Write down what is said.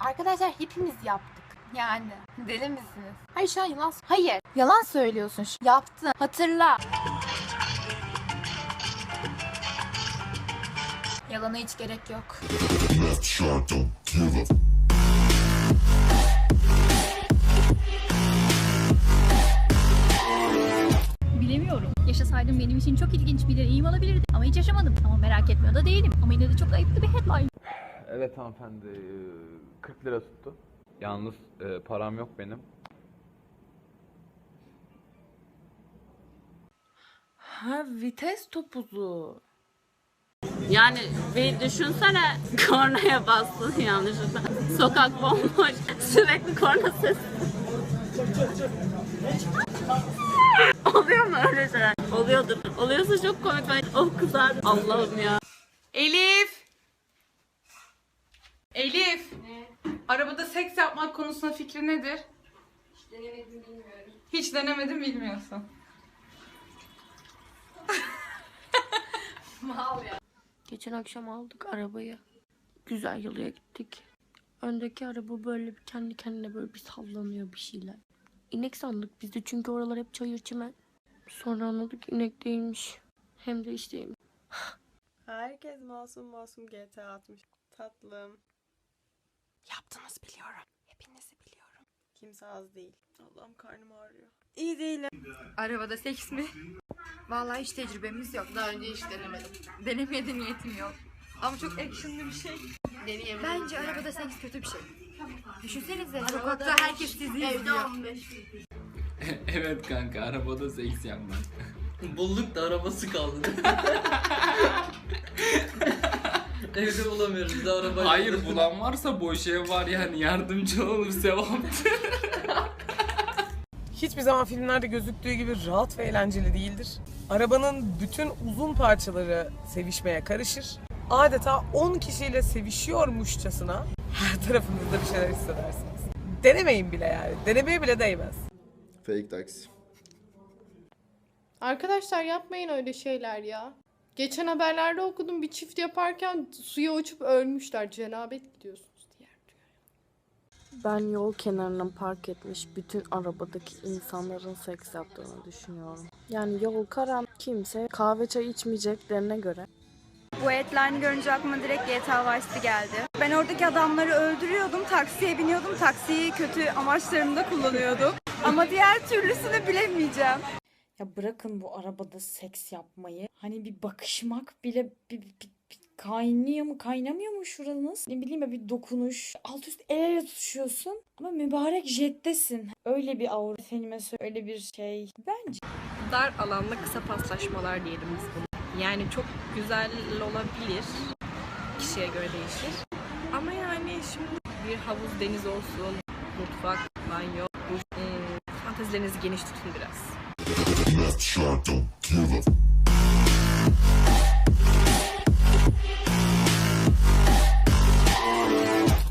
Arkadaşlar hepimiz yaptık. Yani deli misiniz? Hayır şu an yalan. Hayır. Yalan söylüyorsun. Yaptın. Hatırla. Yalana hiç gerek yok. Bilemiyorum. Yaşasaydım benim için çok ilginç bir deneyim olabilirdi. Ama hiç yaşamadım. Ama merak etmiyor da değilim. Ama yine de çok ayıplı bir headline. Evet hanımefendi, 40 lira tuttu. Yalnız param yok benim. Ha, vites topuzu. Yani bir düşünsene, kornaya bastın yanlışlıkla. Sokak bomboş, sürekli korna sesi. Oluyor mu öyle şeyler? Oluyordur. Oluyorsa çok komik. Ben kızar. Allah'ım ya. Elif! Elif! Ne? Arabada seks yapmak konusunda fikri nedir? Hiç denemedim bilmiyorum. Hiç denemedim bilmiyorsun. Mal ya. Geçen akşam aldık arabayı. Güzel yoluya gittik. Öndeki araba böyle bir kendi kendine böyle bir sallanıyor bir şeyler. İnek sandık biz de çünkü oralar hep çayır çimen. Sonra anladık inek değilmiş. Hem de işte Herkes masum masum GTA atmış. Tatlım. Yaptınız biliyorum. Hepinizi biliyorum. Kimse az değil. Allah'ım karnım ağrıyor. İyi değilim. Arabada seks mi? Vallahi hiç tecrübemiz yok. Daha önce hiç denemedim. Denemeye de niyetim yok. Ama çok actionlı bir şey. Deneyemedim. Bence arabada seks kötü bir şey. Düşünsenize sokakta herkes sizi izliyor. Evet kanka, arabada seks yapmak. Bulduk da arabası kaldı. Evde bulamıyoruz, bir de araba. Hayır, bulan varsa boş ev var yani, yardımcı olur, sevaptır. Hiçbir zaman filmlerde gözüktüğü gibi rahat ve eğlenceli değildir. Arabanın bütün uzun parçaları sevişmeye karışır. Adeta 10 kişiyle sevişiyormuşçasına her tarafınızda bir şeyler hissedersiniz. Denemeyin bile yani. Denemeye bile değmez. Fake taksi. Arkadaşlar yapmayın öyle şeyler ya. Geçen haberlerde okudum bir çift yaparken suya uçup ölmüşler. Cenabet gidiyorsunuz diye. ben yol kenarına park etmiş bütün arabadaki insanların seks yaptığını düşünüyorum. Yani yol karan kimse kahve çay içmeyeceklerine göre. Bu headline'ı görünce aklıma direkt GTA Vice City geldi. Ben oradaki adamları öldürüyordum, taksiye biniyordum, taksiyi kötü amaçlarımda kullanıyordum. Ama diğer türlüsünü bilemeyeceğim. Ya bırakın bu arabada seks yapmayı. Hani bir bakışmak bile bir kaynıyor mu kaynamıyor mu şuranız? Ne bileyim ya bir dokunuş. Alt üst el ele tutuşuyorsun. Ama mübarek jettesin. Öyle bir aura efendime öyle bir şey. Bence. Dar alanlı kısa paslaşmalar diyelim biz bunu. Yani çok güzel olabilir. Kişiye göre değişir. Ama yani şimdi bir havuz, deniz olsun, mutfak, banyo, duş. Fantezilerinizi geniş tutun biraz.